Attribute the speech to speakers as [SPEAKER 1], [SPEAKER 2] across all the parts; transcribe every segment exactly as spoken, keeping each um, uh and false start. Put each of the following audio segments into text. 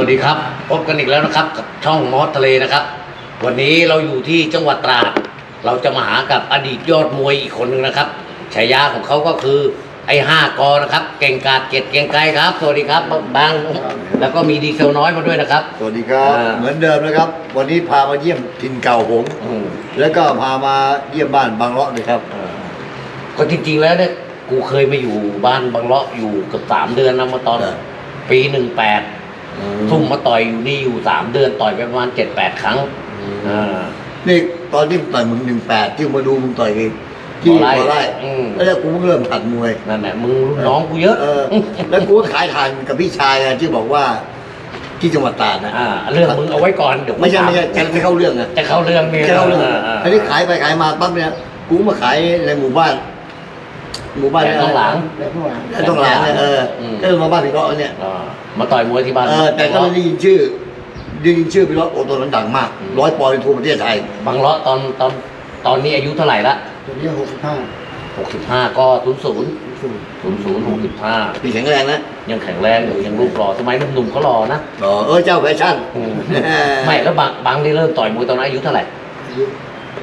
[SPEAKER 1] วัสดีครับพบกันอีกแล้วนะครับกับช่องมอสทะเลนะครับวันนี้เราอยู่ที่จังหวัดตราดเราจะมาหากับอดีตยอดมวยอีกคนหนึ่งนะครับฉายาของเขาก็คือไอ้ห้ากอนะครับเก่งกาจเกียรติเก่งไกรครับสวัสดีครับบางแล้วก็มีดีเซลน้อยมาด้วยนะครับ
[SPEAKER 2] สวัสดีครับเหมือนเดิมนะครับวันนี้พามาเยี่ยมถิ่นเก่าผมแล้วก็พามาเยี่ยมบ้านบางเลาะเลยครับ
[SPEAKER 1] ก็จริงๆแล้วเนี่ยกูเคยมาอยู่บ้านบางเลาะอยู่เกือบสามเดือนนะมาตอนปีหนึ่งแปดทุ่มมาต่อยอยู่นี่อยู่สามเดือนต่อยไปประมาณเจ็ดแปดครั้ง
[SPEAKER 2] นี่ตอนที่ต่อยมึงหนึ่งแปดที่มาดูมึงต่อยกันที่บ่อไร่แล้วกูเพิ่งเริ่มหัดมวย
[SPEAKER 1] นั่นแหละมึงรุ่นน้องกูเยอะ
[SPEAKER 2] แล้วกูก็ขายทานกับพี่ชายที่บอกว่าที่จังหวัดตราดนะ
[SPEAKER 1] เรื่องมึงเอาไว้ก่อนเดี๋ยว
[SPEAKER 2] ไม่ใช่ไม่ใช่จะไม่เข้าเรื่องนะ
[SPEAKER 1] จะเข้าเรื่องนี่
[SPEAKER 2] จะเข้าเรื่องอันนี้ขายไปขายมาปั๊บเนี่ยกูมาขายในหมู่บ้านหมู่บ้าน
[SPEAKER 1] เนี่ยต้องหลัง
[SPEAKER 2] ต้องหลังเนี่ยเออก็มาบ้านพี่เลาะเนี่ย
[SPEAKER 1] มาต่อยมวยที่บ้าน
[SPEAKER 2] เออแต่ก็ไม่ได้ยินชื่อได้ยินชื่อพี่เลาะโอ้ตัวนั้นดังมากร้อยปอนด์ทั่วประเทศไทย
[SPEAKER 1] บางเลาะตอนตอนตอนนี้อายุเท่าไหร่ละ
[SPEAKER 3] ตอนนี้หกสิบห้า
[SPEAKER 1] หกสิบห้าก็ศูนย์ศูนย์ศูนย์ศูนย์หกสิบห้า
[SPEAKER 2] ปีแข็งแรงนะ
[SPEAKER 1] ยังแข็งแรงอยู่ยังรูปหล่อสมัยหนุ่มๆเขาหล่อนะ
[SPEAKER 2] หล่อเออเจ้าแฟชั่น
[SPEAKER 1] ไม่แล้วบางบางที่เริ่มต่อยมวยตอนนั้นอายุเท่าไหร่
[SPEAKER 3] อายุ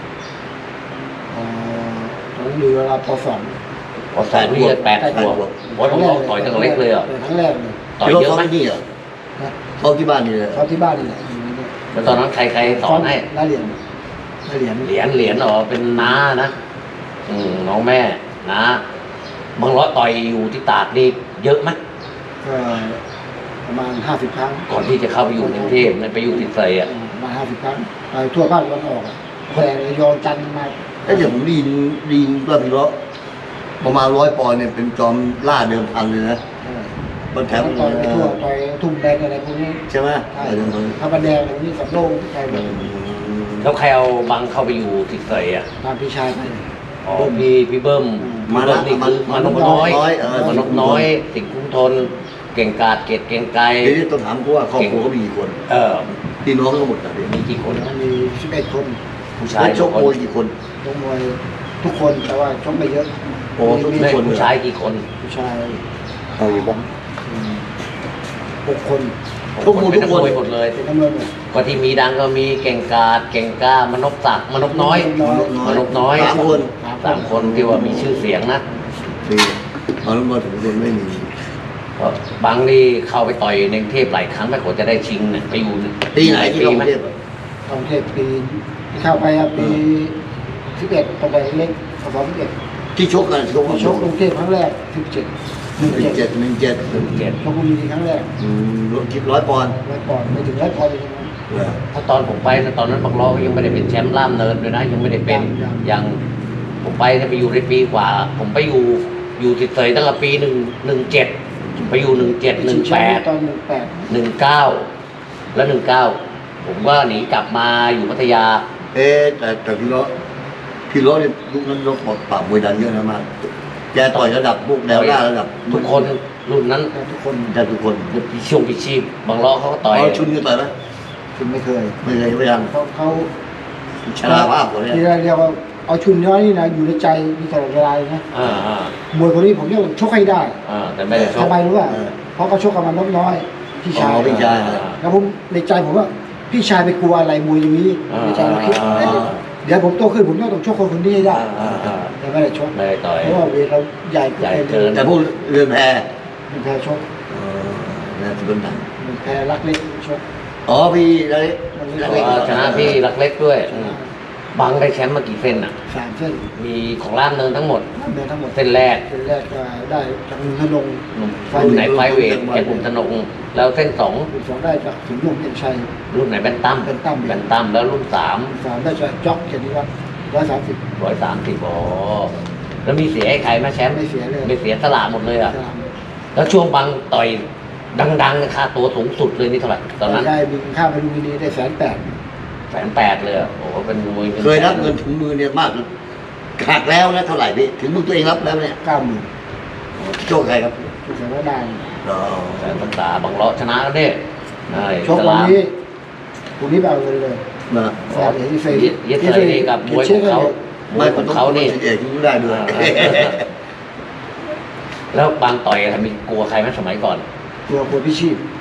[SPEAKER 3] ตอนนั้นอยู่เวลาปสอง
[SPEAKER 1] ปสองนี่แปดขวบว่าผมต่อยตั้งเล็กเลยอ่ะ
[SPEAKER 3] ครั้งแรกเลย
[SPEAKER 1] ต่อยเยอะไหม
[SPEAKER 2] นี่เหรอเขาที่บ้านนี่เลย
[SPEAKER 3] เขาที่บ้านนี่แหละ
[SPEAKER 1] แล้วตอนนั้นใครใครสอนให้
[SPEAKER 3] ได้เหรียญได้เหรียญ
[SPEAKER 1] เหรียญเหรียญอ๋อเป็นน้านะอืมน้องแม่น้าบางร้อยต่อยอยู่ที่ตากนี่เยอะไหม
[SPEAKER 3] ก็ประมาณห้าสิบครั้ง
[SPEAKER 1] ก่อนที่จะเข้าไปอยู่กรุงเทพไปอยู่ติดใส่อ่ะ
[SPEAKER 3] ประมาณห้าสิบครั้งไปทั่วภาคตะวันออกแต่ระยองจันทร์มา
[SPEAKER 2] แล้วเดี๋ยวผมดีนดีนก็เป็นร้อยประมาณร้อยปอนด์เนี่ยเป็นจอมล่าเดิมพันเลยนะบนแถม
[SPEAKER 3] ต่อยทั่วต่อยทุ่มแดงอะไรพวกนี้
[SPEAKER 2] ใช่ไหม
[SPEAKER 3] ถ้าบันแดงอะไรพวกนี้กับโล่งใช่ไหม
[SPEAKER 1] แล้วใครเอาบังเข้าไปอยู่ติดใส่อ่ะ
[SPEAKER 3] ตามพี่ชายไป
[SPEAKER 1] อ๋อพี่พี่เบิ้มมาแล้วนี่คือมานกน้อยมานกน้อยสิงห์คุ้มทนเก่งกาจเกตเก่งไกร
[SPEAKER 2] ทีนี้ต้องถามกูว่าครอบครัวเขามีกี่คน
[SPEAKER 1] เออ
[SPEAKER 2] พี่น้องทั้งหมด
[SPEAKER 1] มีกี่คน
[SPEAKER 3] มีสิบเอ็ดคน
[SPEAKER 1] ผู้ชาย
[SPEAKER 2] ชกมวยกี่คน
[SPEAKER 3] ชกมวยทุกคนแต่ว่าชกไม่เยอะ
[SPEAKER 2] โอ้ทุกคน
[SPEAKER 1] ผู้ชายกี่คน
[SPEAKER 3] ผู้ชาย
[SPEAKER 2] เอาอยู่บ้าง
[SPEAKER 3] หกคน
[SPEAKER 1] ทุกคนทุกคนหมดเลย
[SPEAKER 3] ทั้งหมด
[SPEAKER 1] ก็ที่มีดังก็มีเก่งกาจเก่งกล้ามนกศักดิ์มนกน้อยมนกน้อย
[SPEAKER 2] สามคน
[SPEAKER 1] สามคนที่ว่ามีชื่อเสียงนะ
[SPEAKER 2] นี่ตอนนั้นมาถึงคนไม่มี
[SPEAKER 1] บางนี่เข้าไปต่อยในกรุงเทพหลายครั้งไม่กว่าจะได้ชิงเนี่ยไปอยู่
[SPEAKER 2] ปีไหนที่กรุงเทพ
[SPEAKER 3] กรุงเทพปีที่เข้าไปอ่ะปีสิบเอ็ดตอนไปเล็กสองสิบเอ็ด
[SPEAKER 2] ที่ชกกันชก
[SPEAKER 3] ชกกรุงเทพครั้งแรกสิบเจ็ด
[SPEAKER 2] หนึ่งเจ็ดหนึ่งเจ็ด
[SPEAKER 1] หนึ่งเจ็ด
[SPEAKER 3] ชกบุรีครั้งแรก
[SPEAKER 2] อืมรวมคิดร้อยปอนด์
[SPEAKER 3] ร้อยปอนด์ไม่ถึงร้อยปอนด์เลย
[SPEAKER 1] นะถ้าตอนผมไปตอนนั้นบางล้อยังไม่ได้เป็นแชมป์ล่ามเนินด้วยนะยังไม่ได้เป็นยังผมไปไปอยู่ในปีกว่าผมไปอยู่อยู่ติดเสยตั้งแต่ปีหนึ่งหนึ่งเจ็ดไปอยู่หนึ่งเจ็ดหนึ่งแปด
[SPEAKER 3] ตอนหนึ่งแปด
[SPEAKER 1] หนึ่งเก้าแล้วหนึ่งเก้าผมก็หนีกลับมาอยู่พัทยา
[SPEAKER 2] เอ๊แต่แต่พี่ล้อพี่ล้อเนี่ยยุคนั้นยกปอดปราบมวยดังเยอะนะมากแกต่อยระดับพวกแนวหน้าระดับ
[SPEAKER 1] ทุกคนรุ่นนั้น
[SPEAKER 3] ทุกคน
[SPEAKER 2] แต่ทุกคน
[SPEAKER 1] พี่ช่วงพี่ชีพบางล้อเขาก็ต่อย
[SPEAKER 2] ชุนก็ต่อยไหม
[SPEAKER 3] ชุนไม่เคย
[SPEAKER 2] ไม่เคยไม่ยัง
[SPEAKER 3] เขาเขา
[SPEAKER 2] ชนะภาพคนนี้
[SPEAKER 3] ที่เรียกว่าเอาชุนน้อยนี่นะอยู่ในใจมีตลอดเวลานะมวยคนนี้ผมเรียกชกให้ได้
[SPEAKER 1] แต่ไม่ได้ชก
[SPEAKER 3] ทำไมรู้ป่ะเพราะเขาชกกับมันน้อยพี่ชาย
[SPEAKER 2] พี่ชาย
[SPEAKER 3] แล้วผมในใจผมว่าพี่ชายไปกลัวอะไรมวยอย่างนี้ในใจเราคิดเดี๋ยวผมโตขึ้นผมต้องชกคนคนนี้ให้ได้แต่ไม่ได้ชก
[SPEAKER 1] ไม่ได้ต่อย
[SPEAKER 3] เพราะว่าเวทเราใหญ่
[SPEAKER 1] ใหญ่เกิน
[SPEAKER 2] แต่พวกเรือนแพ
[SPEAKER 3] เรือนแพชก
[SPEAKER 2] น่าจะเป็นหนัง
[SPEAKER 3] เรือนแพรักเล็กชก
[SPEAKER 2] อ๋อพี่รักเล็ก
[SPEAKER 1] ชนะพี่รักเล็กด้วยบางได้แชมป์มากี่เส้นอ่ะ
[SPEAKER 3] สามเส้น
[SPEAKER 1] มีของล่ามเนินทั้งหมด
[SPEAKER 3] ล่ามเนินทั้งหมด
[SPEAKER 1] เส้นแรก
[SPEAKER 3] เส้นแรกก็ได้จากมุนธนง
[SPEAKER 1] รุ่นไหนไฟเวทแกปุ่มธนงแล้วเส้นสอง
[SPEAKER 3] สองได้จากถึงลุ่มเอ็นชัย
[SPEAKER 1] รุ่นไหนแบนตั้ม
[SPEAKER 3] แบนตั้ม
[SPEAKER 1] แบนตั้มแล้วรุ่นสาม
[SPEAKER 3] สามได้จากจ็อกเกียรติวัฒน์ร้อยสามสิบ
[SPEAKER 1] ร้อยสามสิบอ๋อแล้วมีเสียให้ใครมาแชมป์
[SPEAKER 3] ไม่เสียเลย
[SPEAKER 1] ไม่เสียสละหมดเลยอ่ะแล้วช่วงบางต่อยดังๆค่าตัวสูงสุดเลยนี่เท่าไหร่ตอนนั้น
[SPEAKER 3] ได้บินข้าวไปดูมินีได้แสนแปด
[SPEAKER 1] แสนแปดเลยโอ้โหเป็นมวย
[SPEAKER 2] เคยรับเงินถึงมือเนี่ยมากขาดแล้วนะเท่าไหร่พี่ถึงมือตัวเองรับแล้วเนี่ย
[SPEAKER 3] เก้าหมื่น
[SPEAKER 2] โชคใครครับ
[SPEAKER 3] โชคแสนดาน
[SPEAKER 1] แสนตาบางเลาะชนะแล้วเนี่ย
[SPEAKER 3] โชควันนี้วันนี้แบบเลยเลย
[SPEAKER 2] นะ
[SPEAKER 3] แสนเอเฟย์
[SPEAKER 1] เยสเลยกับมวยของเขา
[SPEAKER 2] ไม่ของเขานี่เอกยิ่งได้ด้วย
[SPEAKER 1] แล้วบางต่อยทำมีกลัวใครไหมสมัยก่อน
[SPEAKER 3] กลัวกลัวพี่ชีพ
[SPEAKER 1] พ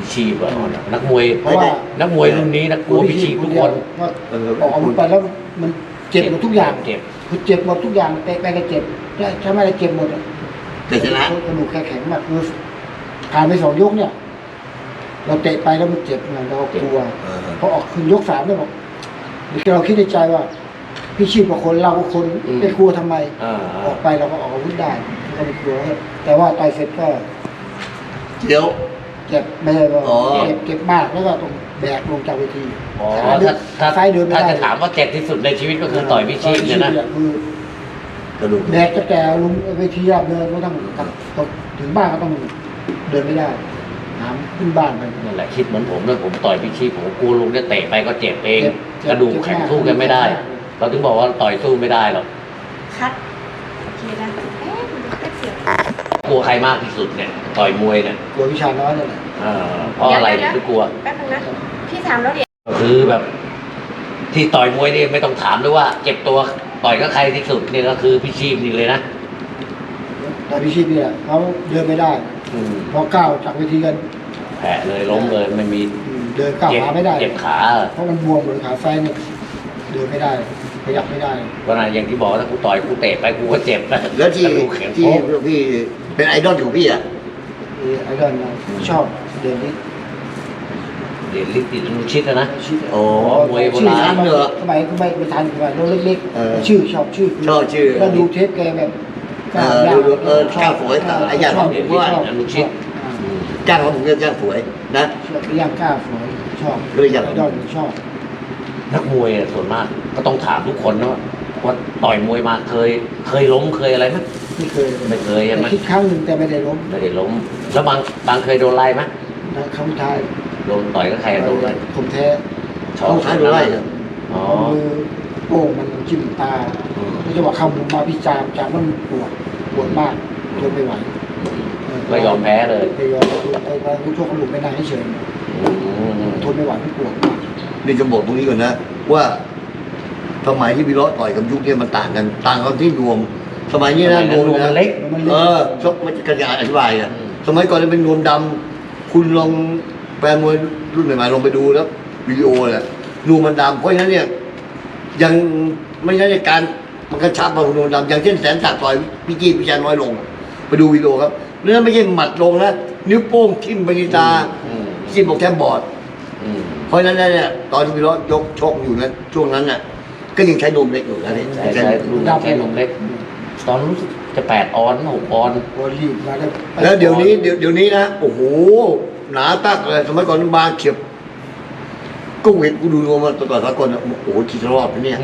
[SPEAKER 1] พิชีพอะนักมวย
[SPEAKER 3] เพราะว่า
[SPEAKER 1] นักมวยรุ่นนี้นักกลัวพิชีพทุกคน
[SPEAKER 3] ว่าออกอาวุธไปแล้วมันเจ็บหมดทุกอย่าง
[SPEAKER 1] เจ็บ
[SPEAKER 3] คือเจ็บหมดทุกอย่างเตะไปก็เจ็บถ้าไม่ได้เจ็บหมดอะ
[SPEAKER 2] แต่ชนะ
[SPEAKER 3] กระดูกแข็งมากคือผ่านไปสองยกเนี่ย เราเตะไปแล้วมันเจ็บไงเรากลัว
[SPEAKER 2] เออ
[SPEAKER 3] พอออกคืนยกสามเนี่ยบอกเราคิดในใจว่า พี่ชีพกับคนเรากับคนไม่กลัวทำไม
[SPEAKER 1] อ่า
[SPEAKER 3] ออกไปเราก็ออกอาวุธได้ก็ไม่กลัวแต่ว่าต่อยเสร็จก็
[SPEAKER 2] เดี๋ยว
[SPEAKER 3] เจ็บไม่ใช่ว่า
[SPEAKER 2] อ๋อ
[SPEAKER 3] เจ็บเจ็บมากแล้วก็ต้องแบกลงจากเวที
[SPEAKER 1] อ๋อ
[SPEAKER 3] ขาเดิ
[SPEAKER 1] ถ้าน ถ้า
[SPEAKER 3] ซ้ายเดินไม่
[SPEAKER 1] ถ้า
[SPEAKER 3] ได้
[SPEAKER 1] จะถามว่าเจ็บที่สุดในชีวิตก็คือต่อยพิชีพเนี่ยนะ
[SPEAKER 3] คือ
[SPEAKER 2] กระดูก
[SPEAKER 3] แบกจะแกลุงเวทีอะเดินก็ต้องกลับต้องถึงบ้านก็ต้องเดินไม่ได้หามขึ้นบ้านไป
[SPEAKER 1] นั่นแหละคิดเหมือนผมเลยผมต่อยพิชีพผมกลัวลุงเนี่ยเตะไปก็เจ็บเอง
[SPEAKER 3] เจ็บเจ็บ
[SPEAKER 1] กระดูกแข็งสู้กันไม่ได้
[SPEAKER 3] เจ็บมาก
[SPEAKER 1] เราถึงบอกว่าต่อยสู้ไม่ได้หรอก
[SPEAKER 4] คัดโอเคนะเอ๊ะมันจะเสียง
[SPEAKER 1] กลัวใครมากที่สุดเนี่ยต่อยมวยเนี่ย
[SPEAKER 3] กลัววิชาน้อยนั่นแหละ
[SPEAKER 1] เอ่อเพราะอะไรถึงกลัว
[SPEAKER 4] แป๊บนึงนะพี่ถามแล้วเดี๋ยว
[SPEAKER 1] ก็คือแบบ ที่ต่อยมวยนี่ไม่ต้องถามด้วยว่า เจ็บตัวต่อยก็ใครที่สุดเนี่ยก็คือพิชีพนี่เลยนะ
[SPEAKER 3] ตอนพิชิตเนี่ยเขาเดินไม่ได้
[SPEAKER 1] อืม
[SPEAKER 3] พอก้าวจากเวทีกัน
[SPEAKER 1] แผลเลยล้มเลยไม่มี
[SPEAKER 3] อืมเดินก้าว
[SPEAKER 1] เจ็บ
[SPEAKER 3] ขาไม่ได้
[SPEAKER 1] เจ็บขา
[SPEAKER 3] เพราะมันบวมเลยขาซ้ายเนี่ยเดินไม่ได้ขยับไม่ได้
[SPEAKER 1] ก็นะอย่างที่บอกถ้ากูต่อยกูเตะไปกูก็เจ็บนะ
[SPEAKER 2] แล้วที่
[SPEAKER 1] กระดูกแข็ง
[SPEAKER 2] ที่
[SPEAKER 1] โป๊ก
[SPEAKER 2] พี่เป็นไอดอลของพี่อ่ะ
[SPEAKER 3] ไอ้เดินเราชอบเดินนี้
[SPEAKER 1] เดี๋ยวลิติดนุชิตนะนะ
[SPEAKER 3] ชื่อ
[SPEAKER 2] โอ้
[SPEAKER 1] มวยโบ
[SPEAKER 3] ชื่อ
[SPEAKER 1] ราณ
[SPEAKER 3] ทัน
[SPEAKER 2] เหรอ
[SPEAKER 3] สมัยก็ไม่ไม่ทันสมัยเราเล็ก
[SPEAKER 2] เออ
[SPEAKER 3] ๆชื่อชอบชื่อ
[SPEAKER 2] ชอบชื่อ
[SPEAKER 3] แล้วดูเทปแกแบบ
[SPEAKER 2] เออดูดูเออก้าวสวยไอ้อย่าง
[SPEAKER 3] ชอบ
[SPEAKER 2] ผมว่า
[SPEAKER 3] ชอบ
[SPEAKER 1] อนุชิต
[SPEAKER 3] อ่า
[SPEAKER 1] อืม
[SPEAKER 2] จ้างเขาผมเรียกจ้างสวยนะ
[SPEAKER 3] ชอบย่างกล้าสวยชอบ
[SPEAKER 2] เลยอยาก
[SPEAKER 3] ไอดอลชอบ
[SPEAKER 1] นักมวยอะส่วนมาก ก็ต้องถามทุกคนนะว่าว่าต่อยมวยมาเคย เคยล้มเคยอะไรไหม
[SPEAKER 3] ไม่เคยเลย
[SPEAKER 1] ไม่เคยใช่ไหม
[SPEAKER 3] แต่คิดครั้งหนึ่งแต่ไม่ได้ล้ม
[SPEAKER 1] ไม่ได้ล้ม แล้วบางบางเคยโดนไล่ไหม
[SPEAKER 3] นะครั้งสุดท้าย
[SPEAKER 1] โดนต่อยก็ใครโดนไล่
[SPEAKER 3] ผมแท้
[SPEAKER 1] ชอ
[SPEAKER 2] เขา
[SPEAKER 1] บ
[SPEAKER 2] ท้ายดูไล่เหรอ
[SPEAKER 1] อ๋อ
[SPEAKER 3] เอามือโป้งมันจิ้มตา
[SPEAKER 1] อืม
[SPEAKER 3] แล้วจังหวะเข้ามุมมาพี่จามจามมันปวดปวดมากทนไม่ไหวเ
[SPEAKER 1] ก็ยอมแพ้เลย
[SPEAKER 3] ไปยอมไปไปรู้ทั่วกระดูกไม่นานเฉย
[SPEAKER 1] อืม
[SPEAKER 3] ๆทนไม่ไหวมันปวดมาก
[SPEAKER 2] นี่จะบอกตรงนี้ก่อนนะ ว่าสมัยที่พี่เลาะต่อยกับยุคเนี่ยมันต่างกัน ต่างกันที่นวม สมัยนี้นะนวม
[SPEAKER 1] นวมมั
[SPEAKER 2] นะ
[SPEAKER 1] นเล็ก
[SPEAKER 2] เออชกมันจะกระจายอธิบายอ่ะสมัยก่อนเนี่ยเป็นนวมดำคุณลองแฟนมวยรุ่นใหม่ๆลองไปดูแล้ววิดีโอแหละนวมมันดำเพราะฉะนั้นเนี่ย ยังไม่ใช่การมันกระชับมาของนวมดำอย่างเช่นแสนศักดิ์ต่อยพี่จี้พี่ชายน้อยลง ไปดูวิดีโอครับเนื้อไม่ใช่หมัดลงนะนิ้วโป้งทิ่มไปที่ตา
[SPEAKER 1] อืม
[SPEAKER 2] จิ้มบอกแทบบอด
[SPEAKER 1] อืม
[SPEAKER 2] เพราะฉะนั้นเนี่ยตอนที่พี่เลาะยกชกอยู่นะช่วงนั้นน่ะ ก็ยังใช้นมเล็กอยู่นะนี่
[SPEAKER 1] ใช่ใช่รุ่นแค่นมเล็ก ตอนรู้สึกจะแปดออนหกออน
[SPEAKER 3] ปวดรีบมาแล้ว
[SPEAKER 2] แล้วเดี๋ยวนี้เดี๋ยวเดี๋ยวนี้นะโอ้โหหนาตักเลยสมัยก่อนบางเขียบก็เห็นกูดูนวมมาต่อสากลนะโอ้โหคิดจะรอดไหมเนี่ย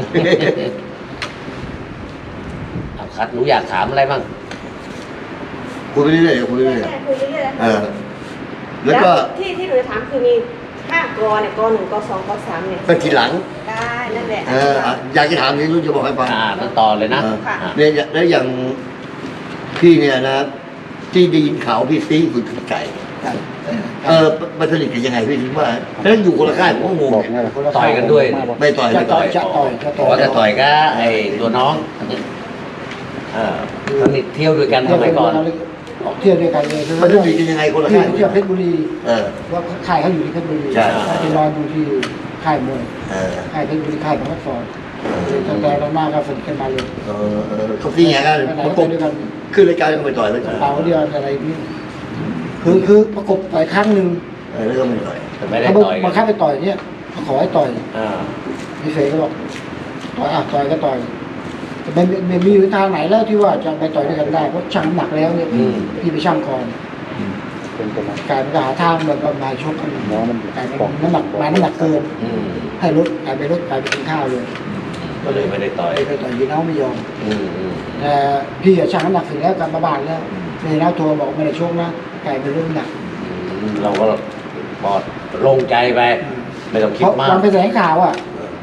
[SPEAKER 1] เอาคัดหนูอยากถามอะไรบ้าง
[SPEAKER 2] คุยไปเรื่อยๆคุยไปเรื่อย
[SPEAKER 4] ใช่คุยเรื่อย
[SPEAKER 2] ๆเออ แล้วก็
[SPEAKER 4] ที่ที่หนูจะถามคือมีห้ากอเนี่ยกอหนึ่งกอสองกอสามเนี่ย
[SPEAKER 2] ก็ทีหลัง
[SPEAKER 4] ได้นั่นแหละ
[SPEAKER 2] เอออ่ะอยากจะถามนี้รู้จะบอกให้ฟัง
[SPEAKER 1] อ่านั่นต่อเลยนะ
[SPEAKER 2] เออ
[SPEAKER 4] ค่ะ
[SPEAKER 1] อ่ะ
[SPEAKER 2] เนี่ยแล้วอย่างพี่เนี่ยนะ ที่ได้ยินข่าวพี่ซีคุณไก่ เออมันสนิทกันยังไงพี่ถึงว่าแล้วอยู่คนละค่ายผมก็งงเนี่ย
[SPEAKER 1] ต่อยกันด้วย
[SPEAKER 2] ไม่ต่อย
[SPEAKER 3] จะ
[SPEAKER 2] ไม่
[SPEAKER 3] ต่
[SPEAKER 2] ต่
[SPEAKER 3] อ
[SPEAKER 2] อย ย
[SPEAKER 3] จะต่อยจะต่
[SPEAKER 1] บ
[SPEAKER 3] อ
[SPEAKER 1] อกว่าจะต่อยก็ไอ้ตัวน้องเออสนิทเที่ยวด้วยกันสมัยก่อน
[SPEAKER 3] ออกเที่ยวด้วยกันเลย
[SPEAKER 2] มันสนิทกันยังไงคนละ
[SPEAKER 3] ที่
[SPEAKER 2] ค่าย
[SPEAKER 3] เที่ยวเพชรบุรี
[SPEAKER 2] เออ
[SPEAKER 3] ว่าค่ายเขาอยู่ที่เพชรบุรี
[SPEAKER 2] ใช่
[SPEAKER 3] ไปนอนอยู่ที่ค่ายมวย
[SPEAKER 2] เออ
[SPEAKER 3] ค่ายเพชรบุรีค่ายของนักสอนตั้งแต่เรามาก็สนิทกันมาเลย
[SPEAKER 2] เออเออเขาซีไงกัน
[SPEAKER 3] ไปไหน
[SPEAKER 2] ประก
[SPEAKER 3] ก็
[SPEAKER 2] บ
[SPEAKER 3] ไปด้วยกัน
[SPEAKER 2] ขึ้นรายการก็ไปต่อยไปต่อย
[SPEAKER 3] เป่าเดียวอะไรนี่คือคือประกบต่อยครั้งหนึ่ง
[SPEAKER 2] เออแล้วก็ไม่ต่อย
[SPEAKER 1] แต่ไม่ได้
[SPEAKER 3] เขา
[SPEAKER 1] ต่อย
[SPEAKER 3] บังคับไปต่อยเนี่ยเขาขอให้ต่อย
[SPEAKER 1] อ่า
[SPEAKER 3] พี่เสกก็บอกต่อยอ่ะต่อยก็ต่อยแต่ไม่ไม่มีวิธีทางไหนแล้วที่ว่าจะไปต่อยด้วยกันได้เพราะชั่งน้ำหนักแล้วเนี่ยพี่ไปชั่งก่อนกลายเป็นหาทางแบบว่ามาชกกันกลายเป็นน้ำหนักมาน้ำหนักเกิน
[SPEAKER 1] อืม
[SPEAKER 3] ให้ลดกลายไปลดกลายไปกินข้าวเลย
[SPEAKER 1] ก็เลยไม่ได้ต่อย
[SPEAKER 3] ไปไปต่อยยีน้าไม่ยอม
[SPEAKER 1] อืมอืม
[SPEAKER 3] แต่พี่อะชั่งน้ำหนักเสร็จแล้วกลับมาบ้านแล้วยีน้าโทรบอกไม่ได้ชกนะกลายเป็นเรื่องหนัก
[SPEAKER 1] อืมเราก็ปลอดโลงใจไป ไม่ต้องคิ
[SPEAKER 3] เพ
[SPEAKER 1] ด
[SPEAKER 3] ราะ
[SPEAKER 1] มาก
[SPEAKER 3] วันไปแถลงข่าวอ่ะ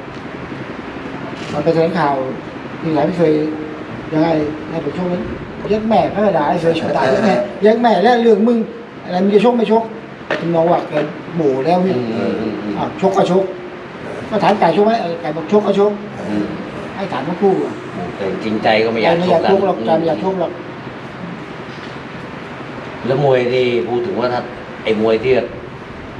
[SPEAKER 3] วันไปแถลงข่าวพี่หลายพี่เคยยังไงให้ผมชกนั้นยักแม่พระกระดาษไอ้เคยชกตายยักแม่ยักแม่แล้วเรื่องมึงอะไรมึงจะชกไม่ชกถึงน้องว่าแกโหม่แล้วพี่
[SPEAKER 1] อืมอืมอืมอืม
[SPEAKER 3] อ่ะชกก็ชกก็ถามไก่ชกไหมเออไก่บอกชกก็ชก
[SPEAKER 1] อืม
[SPEAKER 3] ให้ถามทั้งคู่อ่ะ
[SPEAKER 1] แต่จริงใจก็ไม่อยาก
[SPEAKER 3] ไม่
[SPEAKER 1] ช
[SPEAKER 3] อยาก
[SPEAKER 1] กกั
[SPEAKER 3] ช
[SPEAKER 1] น
[SPEAKER 3] กหรอกใจไม่อยากชกหรอก
[SPEAKER 1] แล้วมวยที่พูดถึงว่าถ้าไอ้มวยที่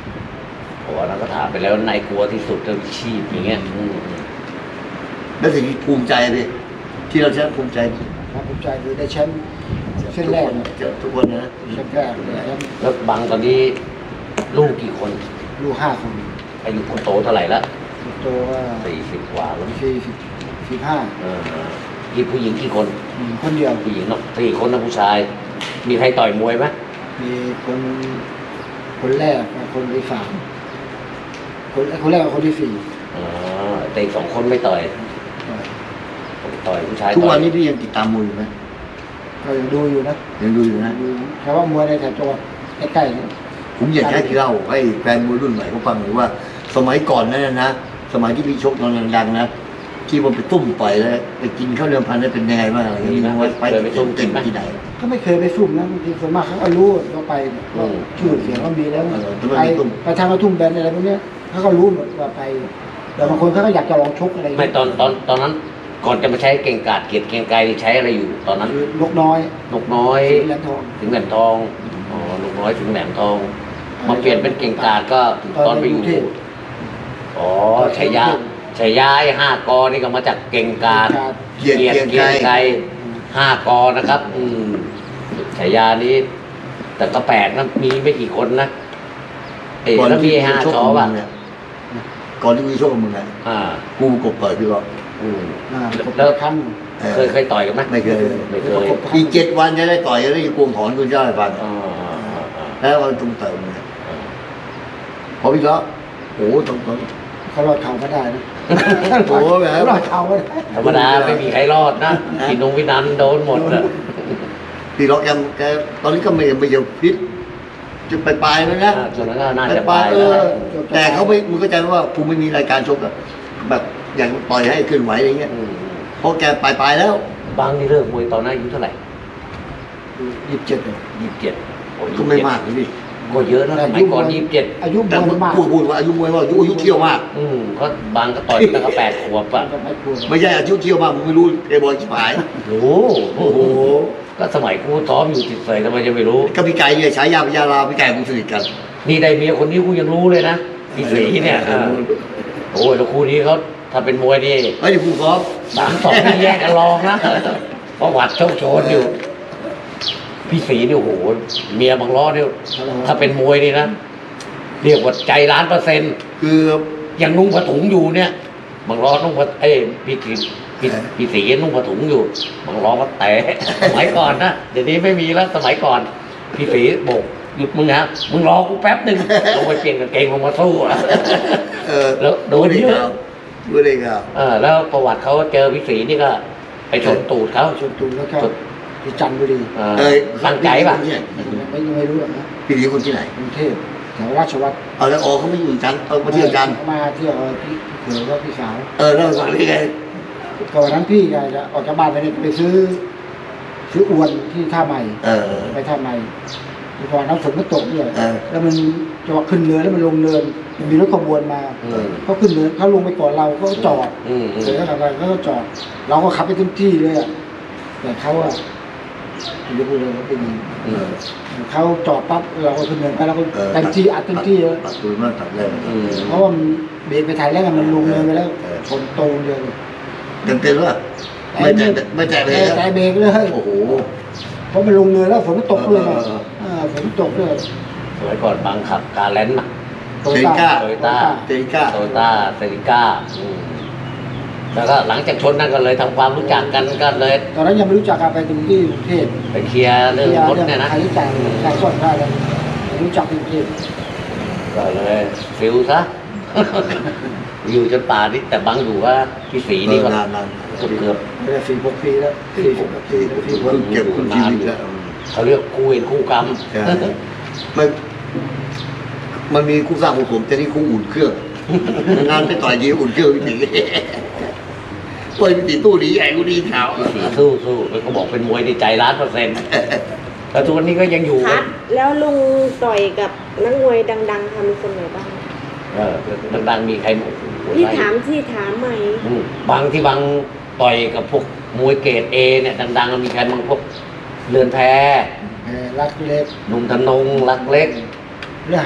[SPEAKER 1] ก็ถามไปแล้วนายกลัวที่สุดเรื่องชีพอย่างเงี้ยอืม
[SPEAKER 2] แล้วสิ่งที่ภูมิใจเลยที่เราใช้ภูมิใจ
[SPEAKER 3] ความภูมิใจคือได้แชมป์เส้นแรกเนี่ย
[SPEAKER 2] เจอทุกคนนะ
[SPEAKER 3] แชมป์แรกเลยแชมป์
[SPEAKER 1] แล้วบางตอนนี้ลูกกี่คน
[SPEAKER 3] ลูกห้าคน
[SPEAKER 1] อายุคนโตเท่าไหร่ละ
[SPEAKER 3] โตว่า
[SPEAKER 1] สี่สิบกว่าแล้ว
[SPEAKER 3] สี่สิบสี่ห้า
[SPEAKER 1] เออกี่ผู้หญิงกี่คน
[SPEAKER 3] คนเดียว
[SPEAKER 1] ผู้หญิงเนาะสี่คนนะผู้ชาย มีใครต่อยมวยไหม
[SPEAKER 3] มีคนคนแรกกับคนที่สามคนคนแรกกับคนที่สี่
[SPEAKER 1] อ๋อแต่อีกสองคนไม่ต่อยต่อยผู้ชาย
[SPEAKER 2] ทุก
[SPEAKER 1] ต่
[SPEAKER 2] วั
[SPEAKER 1] อน ย
[SPEAKER 2] นี้พี่ยังติดตามมวยอยู่ไหม
[SPEAKER 3] ก็ยังดูอยู่นะ
[SPEAKER 2] ยังดูอยู่นะ
[SPEAKER 3] ดูแค่ว่ามวยในแถบจังหวัดใกล้ๆเนี่ย
[SPEAKER 2] ผมอยากให้พี่เล่าให้แฟนมวยรุ่นใหม่เขาฟังหน่อยว่า สมัยก่อนนั่นนะนะสมัยที่พี่ชกตอนดังๆนะที่มันไปตุ้มต่อยแล้วไปกินข้าวเรือนพันได้เป็นยังไงบ้างอะไรอย่างเงี้ยว่าไปเต็มที่ไหน
[SPEAKER 3] ก็ไม่เคยไปซุ่มนะบางทีส่วนมากเขาก็รู้ว่าไปก็ชื่อเสียงก็มีแล้ว
[SPEAKER 2] เออทำไม
[SPEAKER 3] ไป
[SPEAKER 2] ไม่ซุ่ม
[SPEAKER 3] ไปทางกระทุ่มแบนอะไรพวกเนี้ยเขาก็รู้หมดว่าไปแต่บางคนเขาก็อยากจะลองชกอะไร
[SPEAKER 1] ไม่ตอนตอนตอนนั้น ก่อนจะมาใช้เก่งกาจเกียรติเก่งไกรใช้อะไรอยู่ ตอนนั้น
[SPEAKER 3] คือนกน้อย
[SPEAKER 1] นกน้อย
[SPEAKER 3] สีเหลืองทอง
[SPEAKER 1] ถึงแหลมทองอ๋อนกน้อยถึงแหลมทอง มาเปลี่ยนเป็นเก่งกาจก็ตอนไปอยู่อ๋อชัยยะชัยยะไอ้ห้ากอนี่ก็มาจากเก่งกาจ
[SPEAKER 2] เกียรติเกียรติ
[SPEAKER 1] เกียรติ
[SPEAKER 2] ไก
[SPEAKER 1] ไก
[SPEAKER 2] ร
[SPEAKER 1] รห้ากอนะครับ อืมฉายานี้ แต่ก็แปลกนะมีไม่กี่คนนะเอ๋
[SPEAKER 2] ก่อน
[SPEAKER 1] แล้วมี
[SPEAKER 2] ที่
[SPEAKER 1] ไอ้ห้า
[SPEAKER 2] ชก
[SPEAKER 1] ชอ
[SPEAKER 2] กับมึ
[SPEAKER 1] ป่ะ
[SPEAKER 2] งเนี่ยก่อนที่กูชกกับมึงอ่ะ
[SPEAKER 1] อ่า
[SPEAKER 2] กูกบต่อยพี่ก็
[SPEAKER 1] อืม
[SPEAKER 3] อ่า
[SPEAKER 1] แล้ว
[SPEAKER 3] ครั้ง
[SPEAKER 1] เคยเคยต่อยกันไหม
[SPEAKER 2] ไม่เคย
[SPEAKER 1] ไม่เคย
[SPEAKER 2] อีกเจ็ดวันจะได้ต่อยจะได้กวงถอนกูเจ้าให้ฟัง
[SPEAKER 1] อ่าอ่าอ่า
[SPEAKER 2] แล้ววันจุงเติมเนี่ยพอพี่ก็โอ้โหตรงตรง
[SPEAKER 3] เขารอดเข่าไม่ได้นะ
[SPEAKER 2] โอ้โหแบบ
[SPEAKER 3] เขารอดเข่าไม่ได้
[SPEAKER 1] ธรรมดาไม่มีใครรอดนะกินนงวินันโดนหมดอะ
[SPEAKER 2] พี่ล็อกแกมแกตอนนี้ก็ไม่ไม่ยังพิษจะไปปลายแล้วนะ
[SPEAKER 1] อ่าส่วนนั้นก็น่า
[SPEAKER 2] ไป
[SPEAKER 1] จะ
[SPEAKER 2] ป
[SPEAKER 1] ไป
[SPEAKER 2] ลายเอ
[SPEAKER 1] แล้ว
[SPEAKER 2] อ
[SPEAKER 1] นะ
[SPEAKER 2] แต่เขาไม่มึงเข้าใจว่ากูไม่มีรายการชกอะแบบอย่างปล่อยให้ขึ้นไหวอะไรเงี้ย
[SPEAKER 1] อืม
[SPEAKER 2] เพราะแกปลายปลายแล้ว
[SPEAKER 1] บางนี่เลิกมวยตอนนั้นอายุเท่าไหร่
[SPEAKER 3] ยี่สิบเจ็ดเลย
[SPEAKER 1] ยี่สิบเจ็ด
[SPEAKER 2] ก็ไม่มากเลยพี่
[SPEAKER 1] ก็เยอะนะสมัยก่อนยี่สิบเจ็ด
[SPEAKER 3] อายุม
[SPEAKER 2] แต่
[SPEAKER 3] วยมาก
[SPEAKER 2] พูดพูดว่าอายุมวยว่าอายุอายุเที่ยวมาก
[SPEAKER 1] อืมก็บางก็ต่อยตั้งแต่แปดขวบอะ
[SPEAKER 3] ก็ไม่ควร
[SPEAKER 2] ไม่ใช่อายุเที่ยวมากมึงไม่รู้เอบอยชิบหาย
[SPEAKER 1] รู้โอ้โห
[SPEAKER 2] โอ้โห
[SPEAKER 1] ก็สมัยกูซ้อมอยู่ติดเสยทำไมจะไม่รู้
[SPEAKER 2] ก็พี่ไก่เนี่ยฉายาพญาลาพี่ไก่มึงสนิทกัน
[SPEAKER 1] นี่ได้เมียคนนี้กูยังรู้เลยนะพี่สีเนี่ยอ่าโอ้ยแล้วคู่นี้เขาถ้าเป็นมวยนี่
[SPEAKER 2] เฮ้ยผู้ซ้อม
[SPEAKER 1] สามสองนี่แยกกันรองนะประวัติโชคโชนอยู่ พี่สีนี่โอ้โหเมียบางล้อเนี่ยถ้าเป็นมวยนี่นะเรียกว่าใจล้านเปอร์เซ็นต์
[SPEAKER 2] คือ
[SPEAKER 1] ยังนุ่งผ้าถุงอยู่เนี่ยบางล้อนุ่งผ้าเอ้ยพี่สีพี่พี่สีนุ่งผ้าถุงอยู่บางล้อก็แตะสมัยก่อนนะเดี๋ยวนี้ไม่มีแล้วสมัยก่อน พี่สีโบกหยุดมึงฮะมึงรอกูแป๊บหนึ่งลงไปเปลี่ยนกางเกงลงมาสู้อะ
[SPEAKER 2] เออ
[SPEAKER 1] แล้วโดนเยอะ
[SPEAKER 2] ดูได้ครับ
[SPEAKER 1] เออแล้วประวัติเขาเจอพี่สีนี่ก็ไปชนตูดเขา
[SPEAKER 3] ชนตูนแล้วก็ที่จันทบุรี
[SPEAKER 1] เออ
[SPEAKER 2] เอ้ย
[SPEAKER 1] ตั้งใจป่ะ
[SPEAKER 2] พี่
[SPEAKER 3] ไม่ไม่รู้หรอกนะ
[SPEAKER 2] พี่ดีคนที่ไหน
[SPEAKER 3] กรุงเทพแถวราชวัตร
[SPEAKER 2] เอาแล้วอ๋อเขาไม่อยู่กันเอามาเที่ยวกัน
[SPEAKER 3] มาเที่ยวพี่เขยว่าพี่สาว
[SPEAKER 2] เออแล้วสั่งได้ไง
[SPEAKER 3] ก่อนนั้นพี่ก็จะออกจากบ้านไปเนี่ยไปซื้อ ซื้ออวนที่ท่าใหม่
[SPEAKER 2] เออ
[SPEAKER 3] ไปท่าใหม่ก่อนน้ำฝนก็ตกด้วย
[SPEAKER 2] เออ
[SPEAKER 3] แล้วมันจะว่าขึ้นเรือแล้วมันลงเนินมันมีรถขบวนมา
[SPEAKER 1] อืม
[SPEAKER 3] เขาขึ้นเนินเขาลงไปก่อนเราเขาก็จอด
[SPEAKER 1] อืมอืม
[SPEAKER 3] เสร็จแล้วทำอะไรเขาก็จอด เราก็ขับไปเต็มที่เลยอะแต่เขาอะไม่รู้เลยว่าเป็นยังไง
[SPEAKER 1] อืม
[SPEAKER 3] เขาจอดปั๊บเราก็ขึ้นเนินไปเราก็
[SPEAKER 2] เออ
[SPEAKER 3] เต็มที่อัดเต็มที่เลย
[SPEAKER 2] ตัดตัวมากตัดเลย
[SPEAKER 1] อืม
[SPEAKER 3] เพราะว่ามันเบรกไปถ่ายแล้วไงมันลงเนินไปแล้ว
[SPEAKER 2] เออ
[SPEAKER 3] ชนตูนเลย
[SPEAKER 2] เต็มเต็มๆว่าไม่แตะไม่แตะเลย
[SPEAKER 3] แต่
[SPEAKER 2] นะ
[SPEAKER 3] เบรกเลย
[SPEAKER 2] โอ้โห
[SPEAKER 3] เพราะมันลงเนินแล้วฝนก็ตกเลยไง
[SPEAKER 2] เออเออ
[SPEAKER 3] อ่าฝนตกเลย
[SPEAKER 1] สมัยก่อนบางขับกาแลนด์น่ะ
[SPEAKER 3] โตโยต้า
[SPEAKER 1] โตโยต้า
[SPEAKER 2] เตนิก้า
[SPEAKER 1] โตโยต้าเซริก้าอืมแล้วก็หลังจากชนนั่นก็เลยทำความรู้จักกันก็เลย
[SPEAKER 3] ตอนนั้นยังไม่รู้จักกันไปถึงที่กรุงเทพ
[SPEAKER 1] ไปเคลียร์เรื่องรถเนี่ยนะ
[SPEAKER 3] ใครรู้จักใครซ่อนได้เลยรู้จักที่กรุงเทพ
[SPEAKER 1] ก็เลยฟิลซะ อยู่จนป่านี่แต่บางอยู่ว่าพี่สีนี่ก็
[SPEAKER 2] นานนาน
[SPEAKER 1] เกือบเกือบ
[SPEAKER 3] ไม่ได้สี่หกปีแล้วสี่สิบกว่าปีแล้วสี่หก
[SPEAKER 2] เพิ่งเก็บคุณชีวิตแล้ว
[SPEAKER 1] เขาเรียกคู่เวรคู่กรรม
[SPEAKER 2] ใช่มันมันมีคู่สร้างของผมแต่นี่คู่อุ่นเครื่อง งานไปต่อยยีอุ่นเครื่องพี่ตีต่อยพี่ตีตู้ดีใหญ่กูดีขาว
[SPEAKER 1] พี่สีสู้สู้แล้วก็บอกเป็นมวยในใจล้านเปอร์เซ็นต์แต่ทุกวันนี้ก็ยังอยู่
[SPEAKER 4] คัดแล้วลุงต่อยกับนักมวยดังๆทำคนไหนบ้าง
[SPEAKER 1] เออดังๆมีใครโอ้โห
[SPEAKER 4] ที่
[SPEAKER 1] ไล่
[SPEAKER 4] ถามที่ถามใหม่
[SPEAKER 1] อืมบางที่บางต่อยกับพวกมวยเกรดเอเนี่ยดังๆมีใครบางพวกเรือนแพ
[SPEAKER 3] เออรักเล็ก
[SPEAKER 1] หนุ่มธนงรักเล็ก
[SPEAKER 3] เรื่องหัก
[SPEAKER 1] อ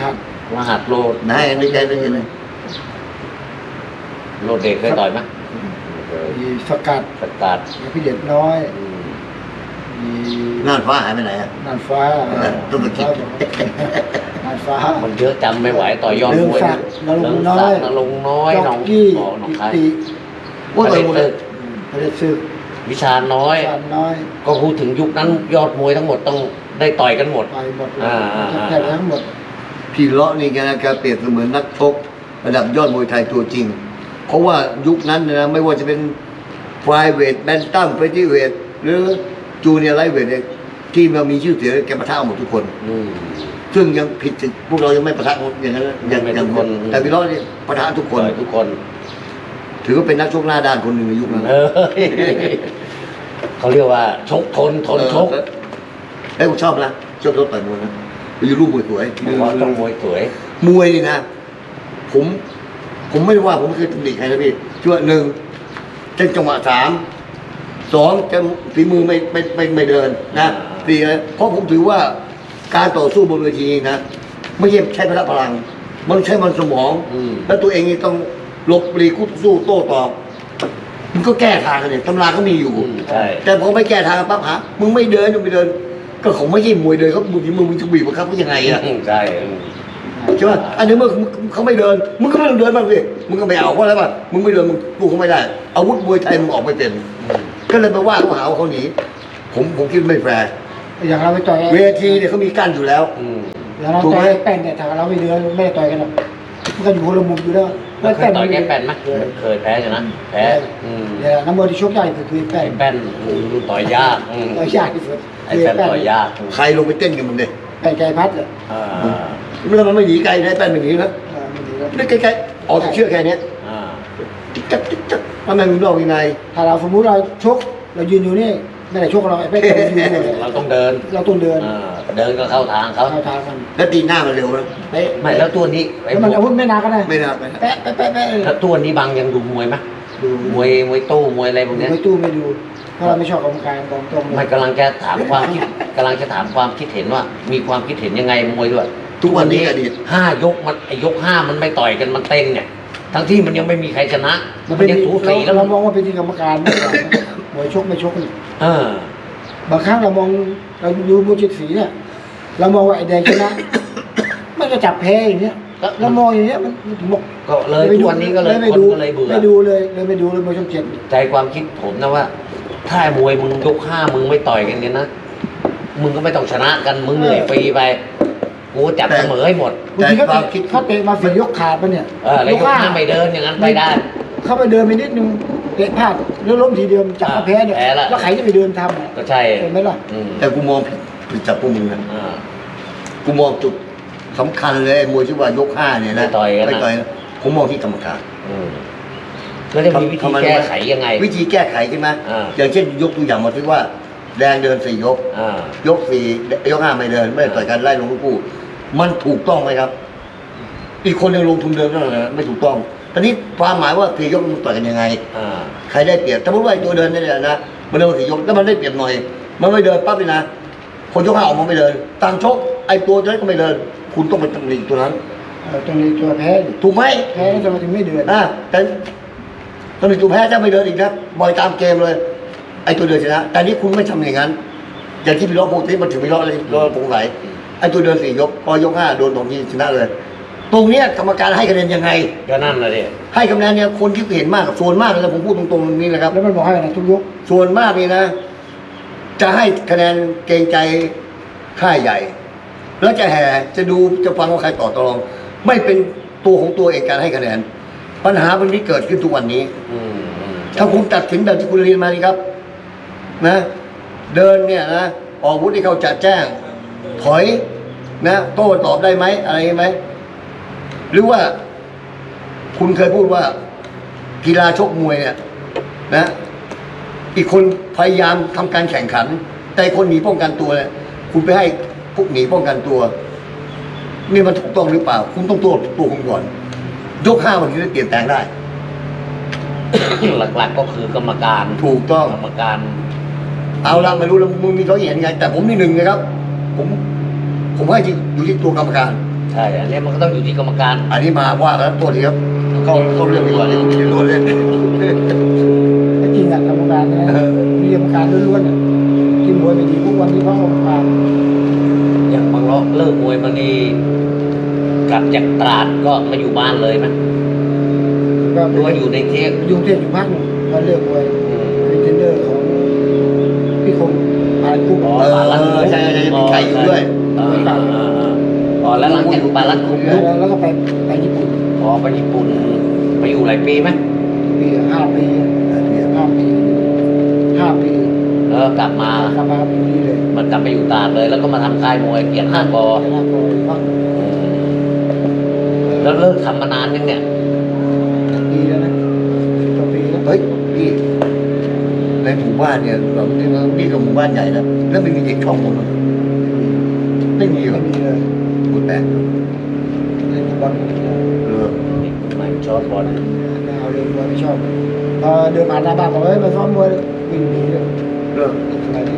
[SPEAKER 1] รหัสโลด
[SPEAKER 2] นายในใจในใจเลย
[SPEAKER 1] โลดเด็กเคยต่อยไหม
[SPEAKER 3] มีสกัด
[SPEAKER 1] สกัด
[SPEAKER 3] มีพี่เด็ดน้อย
[SPEAKER 1] อืม
[SPEAKER 3] มี
[SPEAKER 2] น่านฟ้าหายไปไหนอ่ะ
[SPEAKER 3] นานฟ้า
[SPEAKER 2] เออต้องไปคิด
[SPEAKER 3] นานฟ้า
[SPEAKER 1] มันเยอะจำไม่ไหวต่อยอดมวย
[SPEAKER 3] เรื่องศักดิ์นรงค์น้อย
[SPEAKER 1] นรงค์น้อย
[SPEAKER 3] จ็
[SPEAKER 1] หน
[SPEAKER 3] อ
[SPEAKER 1] อก ง
[SPEAKER 3] กี้
[SPEAKER 1] อ๋อหนอง
[SPEAKER 3] กิ
[SPEAKER 1] คาย
[SPEAKER 3] ติ
[SPEAKER 2] ว่าต่อยหมดเลย
[SPEAKER 3] พระเดชศึก
[SPEAKER 1] วิชาน้อย
[SPEAKER 3] ชาญน้อย
[SPEAKER 1] ก็พูดถึงยุคนั้นยอดมวยทั้งหมดต้องได้ต่อยกันหมด
[SPEAKER 3] ไปหมดเลย
[SPEAKER 1] อ่าอ่าอ่า
[SPEAKER 3] แทบทั้งหมด
[SPEAKER 2] พี่เลาะนี่แกนะแกเปรียบเสมือนนักชกระดับยอดมวยไทยตัวจริง เพราะว่ายุคนั้นเนยนะไม่ว่าจะเป็นไฟเวทแบนตัมเฟตี้เวทหรือจูเนียร์ไลท์เวทเนี่ยที่มันมีชื่อเสียงแกปะทะหมดทุกคน
[SPEAKER 1] อืม
[SPEAKER 2] ซึ่งยังผิดพวกเรายังไม่ปะทะอย่างนั้นนะยัง
[SPEAKER 1] ไม่
[SPEAKER 2] ยัง
[SPEAKER 1] ทุกคน
[SPEAKER 2] แต่พี่เลาะนี่ปะทะทุกคน
[SPEAKER 1] ต่อยทุกคน
[SPEAKER 2] ถือว่าเป็นนักชกหน้าด้านคนหนึ่งในยุคนั้น
[SPEAKER 1] เออเขาเรียกว่าชกทนทนชก
[SPEAKER 2] เออเอ้ยผมชอบนะชอบชกต่อยมวยนะไปอยู่รูปมวยสวย
[SPEAKER 1] เพราะต้องมวยสวย
[SPEAKER 2] มวยนี่นะ ผม ผมไม่ได้ว่าผมไม่เคยตำหนิใครนะพี่ช่วยหนึ่งเช่นจังหวะสามสองจะฝีมือไม่ไม่ไม่ไม่เดินนะสี่นะเพราะผมถือว่าการต่อสู้บนเวทีนะไม่ใช่ใช้พละพลัง มันใช้มันสมอง
[SPEAKER 1] อืม
[SPEAKER 2] แล้วตัวเองนี่ต้องหลบปลีคู่สู้โต้ตอบมันก็แก้ทางกันเนี่ยตำราเขามีอยู่
[SPEAKER 1] อืมใช่
[SPEAKER 2] แต่พอไม่แก้ทางปั๊บหามึงไม่เดินมึงไม่เดิน ก็เขาไม่ใช่มวยเดินเขาบุกมึงมึงจะบีบบังคับเขายังไงอะ
[SPEAKER 1] อืมใช่อืม
[SPEAKER 2] ใช่ป่ะอันนี้เมื่อเขาไม่เดินมึงก็ไม่ต้องเดินบ้างสิมึงก็ไม่เอาเพราะอะไรป่ะมึงไม่เดินมึงกูเขาไม่ได้อาวุธมวยไทยมึงออกไม่เป็น
[SPEAKER 1] อืม
[SPEAKER 2] ก็เลยไปว่าเขาหาว่าเขาหนีผมผมคิดไม่แฟร์
[SPEAKER 3] อย่างเราไปต่อย
[SPEAKER 2] เวทีเนี่ยเขามีกั้นอยู่แล้ว
[SPEAKER 1] อืม
[SPEAKER 3] อย่างเรา
[SPEAKER 2] ถูก
[SPEAKER 3] ต่
[SPEAKER 2] ไห
[SPEAKER 3] อ
[SPEAKER 2] ม
[SPEAKER 3] ยแป้นเนี่ยถ้าเราไม่เดือไม่ได้ต่อยกันหรอกมันก็อยู่คนละมุมอยู่แล้ว
[SPEAKER 1] แล้วเคยต่อยแก้แป้นไหม
[SPEAKER 3] เคย
[SPEAKER 1] เคยแพ้ใช่ไหมแพ้อืม
[SPEAKER 3] เนี่ยน้ำมันที่ชกใหญ่คือคือแป้น
[SPEAKER 1] ไอ้แป้นอืมต่อยยากอืม
[SPEAKER 3] ต่อยยากที่สุด
[SPEAKER 1] ไอ้แป้นต่อยยากอืม
[SPEAKER 2] ใครลงไปเต้นกับมึงเนี่ย
[SPEAKER 3] แป้นไกลพัดอ่ะ
[SPEAKER 1] อ่า
[SPEAKER 2] แล้วมันไม่หนีไกลนะแป้นไม่หนีนะ
[SPEAKER 3] เออมันดีแล้ว
[SPEAKER 2] นี่ใกล้ๆออกจากเชือกแค่เนี้ย
[SPEAKER 1] อ่า
[SPEAKER 2] จิ๊กจักจิ๊กจักทำไมมึงนอกยังไง
[SPEAKER 3] ถ้าเราสมมุติเราชกเรายืนอยู่นี่ไม่ได้ชกเราไอ้แป้นเรายืนอยู่เลย
[SPEAKER 1] เราต้องเดิน
[SPEAKER 3] เราต้องเดิน
[SPEAKER 1] อ่าเดินก็เข้าทางเขา
[SPEAKER 3] เข้าทางมัน
[SPEAKER 2] แล้วตีหน้ามันเร็วนะ
[SPEAKER 3] เป๊ะ
[SPEAKER 1] ไม่แล้วตัวนี้ไอ้
[SPEAKER 3] แล้วมันอาวุธไม่นานก็ได้
[SPEAKER 2] ไม่น่าไปนะ
[SPEAKER 3] แปะแปะแปะแปะ
[SPEAKER 1] แล้วตัวนี้บางยังดูมวยไหม
[SPEAKER 3] ดู
[SPEAKER 1] มวยมวยตู้มวยอะไรพวกเนี้ย
[SPEAKER 3] ไม่ตู้ไม่ดูเพราะเราไม่ชอบกรรมการกองตรงเล
[SPEAKER 1] ไม่
[SPEAKER 3] ย
[SPEAKER 1] กำลังจะถามความคิดกำลังจะถามความคิดเห็นว่า มีความคิดเห็นยังไงมวยด้วย
[SPEAKER 2] ทุกวันนี้อดีต
[SPEAKER 1] ห้ายกมันไอยกห้ามันไม่ต่อยกันมันเต้นเนี่ย ทั้งที่มันยังไม่มีใครชนะ
[SPEAKER 3] มัน
[SPEAKER 1] มั
[SPEAKER 3] เป็น น
[SPEAKER 1] ยังสูสีแล้ว
[SPEAKER 3] เรามองว่าเป็นที่กรรมการมากกว่านะมวยชกไม่ชกนี่
[SPEAKER 1] เออบ
[SPEAKER 3] างครั้งเรามองเราดูมวยเจ็ดสีเนี่ย เรามองว่าไอ้แดงชนะ มันก็จับแพ้อย่างเงี้ยเรามองอย่างเงี้ยมันมันถึงบอก
[SPEAKER 1] ก็เลยทุกวันนี้ก็เลย
[SPEAKER 3] ไม่
[SPEAKER 1] คน
[SPEAKER 3] ดู
[SPEAKER 1] ก็เลยเบื่อ
[SPEAKER 3] ไม่ดูเลยเลยไม่ดูเลยมวยช่องเจ็ด
[SPEAKER 1] ใจความคิดผมนะว่า ถ้ามวยมึงยกห้ามึงไม่ต่อยกันเนี่ยนะมึงก็ไม่ต้องชนะกันมึงเหนื่อยฟรีไปกูจับเสมอให้หมด
[SPEAKER 3] บางทีเขาเตะเขาเตะมาฝียกขาดปะเนี่ย
[SPEAKER 1] เออแล้วยกห้าไม่เดินอย่างนั้นไปได้
[SPEAKER 3] เข้าไปเดินไปนิดนึงเตะพลาดแล้วล้มทีเดียวจับเขาแพ้เนี่ย
[SPEAKER 1] แพ้ละ
[SPEAKER 3] แล้วใครจะไปเดินทำอ่ะ
[SPEAKER 1] ก็ใช่
[SPEAKER 3] เห็นไหมล่ะ
[SPEAKER 1] อืม
[SPEAKER 2] แต่กูมองผิดผิดจากพวกมึงนะ
[SPEAKER 1] อ่า
[SPEAKER 2] กูมองจุดสำคัญเลยไอ้มวยที่ว่ายกห้าเนี่ยนะ
[SPEAKER 1] ไม่ต่อยกันนะ
[SPEAKER 2] ไม่ต่อยนะผมมองที่กรรมการ
[SPEAKER 1] อืมแล้วจะมีวิธี
[SPEAKER 2] ทำไมรู้ไหม
[SPEAKER 1] แก้ไขยังไง
[SPEAKER 2] วิธีแก้ไขใช่ไหม
[SPEAKER 1] อ่า
[SPEAKER 2] อย่างเช่นยกตัวอย่างมาที่ว่า แดงเดินสี่ยก
[SPEAKER 1] อ่าย
[SPEAKER 2] กสี่ยกห้าไม่เดิน ไม่ได้ต่อยกันไล่ลงทั้งคู่มันถูกต้องไหมครับ อีกคนยังลงทุนเดินนั่นแหละไม่ถูกต้องตอนนี้ความหมายว่าสี่ยกมันต่อยกันยังไง
[SPEAKER 1] อ่า
[SPEAKER 2] ใครได้เปรียบสมมติว่าไอ้ตัวเดินเนี่ยนะมันเดินสี่ยกแล้วมันได้เปรียบหน่อย มันไม่เดินปั๊บเลยนะคนยกห้าออกมาไม่เดินต่างชกไอ้ตัวนั้นก็ไม่เดิน คุณต้องไปตำหนิตัวนั้น
[SPEAKER 3] เออตรงนี้ตัวแพ้ดิ
[SPEAKER 2] ถูกไหม
[SPEAKER 3] แพ้แล้วทำไมถึงไม่เดิน
[SPEAKER 2] อ่าแต่ตำหนิตัวแพ้จะไม่เดินอีกนะบอยตามเกมเลย ไอ้ตัวเดินชนะ แต่นี่คุณไม่ทำอย่างนั้น อย่างที่พี่ล้อโพธิมันถึงพี่ล้อเลยล้อโปร่งไหลไอ้ตัวเดินสี่ยกพอยกห้าโดนตรงนี้ชนะเลย ตรงเนี้ยกรรมการให้คะแนนยังไง
[SPEAKER 1] ก็นั่นแหละดิ
[SPEAKER 2] ให้คะแนนเนี่ยคนที่เห็นมากกับส่วนมากเลยผมพูดตรงๆตรงนี้นะครับ
[SPEAKER 3] แล้วมันบอกให้นะทุกยก
[SPEAKER 2] ส่วนมากนี่นะ จะให้คะแนนเกรงใจค่ายใหญ่ แล้วจะแห่จะดูจะฟังว่าใครต่อตรอง ไม่เป็นตัวของตัวเองการให้คะแนน ปัญหามันนี้เกิดขึ้นทุกวันนี้
[SPEAKER 1] อืมอืม
[SPEAKER 2] ถ้าคุณตัดสินแบบที่คุณเรียนมานี่ครับ นะ เดินเนี่ยนะออกอาวุธที่เขาจะแจ้ง ถอยนะโต้ตอบได้ไหมอะไรไหมหรือว่า คุณเคยพูดว่า กีฬาชกมวยเนี่ย นะ อีกคนพยายามทำการแข่งขัน แต่คนหนีป้องกันตัวเนี่ยคุณไปให้พวกหนีป้องกันตัว นี่มันถูกต้องหรือเปล่า คุณต้องตัวตัวคุณก่อน ยกห้าวันนี้เปลี่ยนแปลงได้
[SPEAKER 1] หลักๆก็คือกรรมการ
[SPEAKER 2] ถูกต้อง
[SPEAKER 1] กรรมการ
[SPEAKER 2] เอาละไม่รู้แล้วมึงมีเขามเห็นยังไง แต่ผมนี่หนึ่งนะครับ ผม ผมให้อยู่ที่ตัวกรรมการ
[SPEAKER 1] ใช่อันนี้มันก็ต้องอยู่ที่กรรมการ
[SPEAKER 2] อันนี้มาว่ากันตัวทีครับเข้าเข้าเรื่องดีกว่าที่ผมจะรู้เล่น
[SPEAKER 3] ถ้าจริงอะกรรมการนะมีกรรมการล้วนๆอะที่มวยไม่ดีพวกวันนี้เพราะกรรมการ
[SPEAKER 1] อย่างบางเลาะเลิกมวยมานี่กลับจากตราดก็มาอยู่บ้านเลยไหม
[SPEAKER 3] ก็
[SPEAKER 1] หรือว่าอยู่ในเทพ
[SPEAKER 3] ยุ่งเทพอยู่พักหนึงมาเลือกมวยเป็นเทรนเนอร์ของพี่คงปานกุ้ง
[SPEAKER 1] อ๋อ
[SPEAKER 2] เออ
[SPEAKER 1] ปาลัด
[SPEAKER 2] ใช่ใช่ใช่มีไก่อยู่ด้วย
[SPEAKER 1] อ่าอ่าอ่าอ๋อแล้วหลังจากปาลัดคุม
[SPEAKER 3] แล้วแล้วก็ไปไปญี่ปุ่น
[SPEAKER 1] พอไปญี่ปุ่นไปอยู่หลายปีไหม
[SPEAKER 3] ปีห้าปีห้าปีห้าปี
[SPEAKER 1] แล้วก็กลับมาก
[SPEAKER 3] ลับมาปีนี้เลย
[SPEAKER 1] มันกลับไปอยู่ตราดเลย แล้วก็มาทำค่ายมวยเกียรติห้ากอ
[SPEAKER 3] ชนะกอพัก
[SPEAKER 1] อืมแล้วเลิกทำมานานยังเนี่ย
[SPEAKER 3] ปีแล้วนะสิบกว่าปีแล้ว
[SPEAKER 2] เฮ้ยพี่ในหมู่บ้านเนี่ยเรานี่นี่กับหมู่บ้านใหญ่นะแล้วไม่มีเด็กช่องผมไม่มีหรอ
[SPEAKER 3] ไม่มีเลย
[SPEAKER 2] พูดแปลก
[SPEAKER 3] เล่นฟุตบอลไม่ได้
[SPEAKER 2] เออ
[SPEAKER 1] เด็กใหม่ชอบบอล
[SPEAKER 3] ไม่เอาเลยมวยไม่ชอบพอเดินผ่านหน้าบ้านบอกเฮ้ยมาซ้อมมวยวิ่งหนีเลย
[SPEAKER 2] เออ
[SPEAKER 3] อะไรที่